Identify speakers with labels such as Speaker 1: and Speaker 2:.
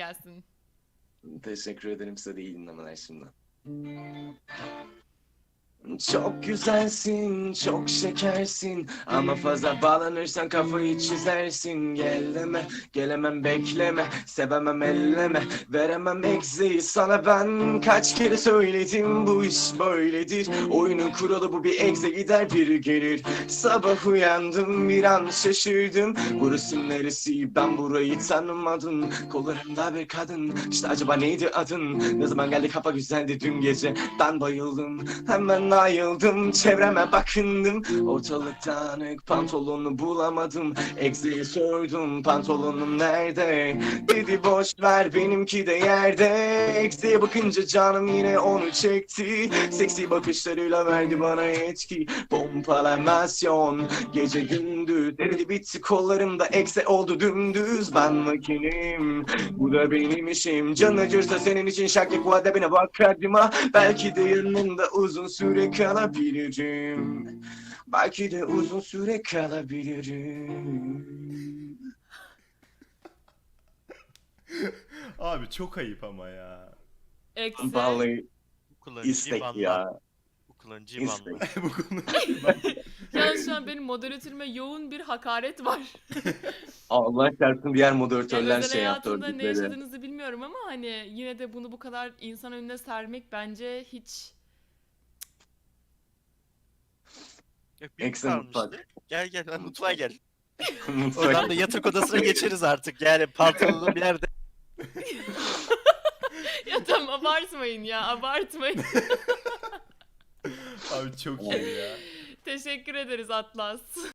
Speaker 1: gelsin.
Speaker 2: Teşekkür ederim, size de iyi dinlemeler şimdi. Çok güzelsin, çok şekersin ama fazla bağlanırsan kafayı çizersin. Geleme, gelemem bekleme, sevemem elleme, veremem egzeyi sana ben. Kaç kere söyledim bu iş böyledir. Oyunun kuralı bu, bir egze gider biri gelir. Sabah uyandım bir an şaşırdım. Burası neresi, ben burayı tanımadım. Kollarımda bir kadın, işte acaba neydi adın? Ne zaman geldi, kafa güzeldi dün gece. Ben bayıldım, hemen ayıldım, çevreme bakındım. Ortalık dağınık, pantolonu bulamadım. Egze'ye sordum, pantolonum nerede? Dedi boş ver, benimki de yerde. Egze'ye bakınca canım yine onu çekti. Seksi bakışlarıyla verdi bana yetki. Pompalamasyon, gece gündüz. Eridi bitti kollarımda, Egze oldu dümdüz. Ben makinim, bu da benim işim. Can acırsa senin için şaklık vadebine bak kadıma. Belki de yanında uzun süre kalabilirim. Belki de uzun süre kalabilirim.
Speaker 3: Abi çok ayıp ama ya.
Speaker 1: Eksi.
Speaker 2: Vallahi
Speaker 4: Bu kullanıcıyı
Speaker 2: istek
Speaker 4: banla.
Speaker 2: ya.
Speaker 4: Bu kullanıcıyı banla.
Speaker 2: İstek.
Speaker 3: Bu konu.
Speaker 1: Yani şu an benim moderatörüme yoğun bir hakaret var.
Speaker 2: Allah çarpsın, diğer
Speaker 1: Yani
Speaker 2: moderatörler
Speaker 1: özel
Speaker 2: şey yaptı,
Speaker 1: hayatında ne
Speaker 2: ördükleri.
Speaker 1: yaşadığınızı bilmiyorum ama hani yine de bunu bu kadar insan önüne sermek bence hiç...
Speaker 4: Yok, bir
Speaker 2: Excellent
Speaker 4: kalmıştı.
Speaker 2: fuck.
Speaker 4: Gel gel lan mutfağa gel.
Speaker 2: Mutfak.
Speaker 4: Oradan da yatak odasına geçeriz artık. Yani pantolonun bir yerde.
Speaker 1: Ya tamam, abartmayın ya, abartmayın.
Speaker 3: Abi çok iyi ya.
Speaker 1: Teşekkür ederiz Atlas.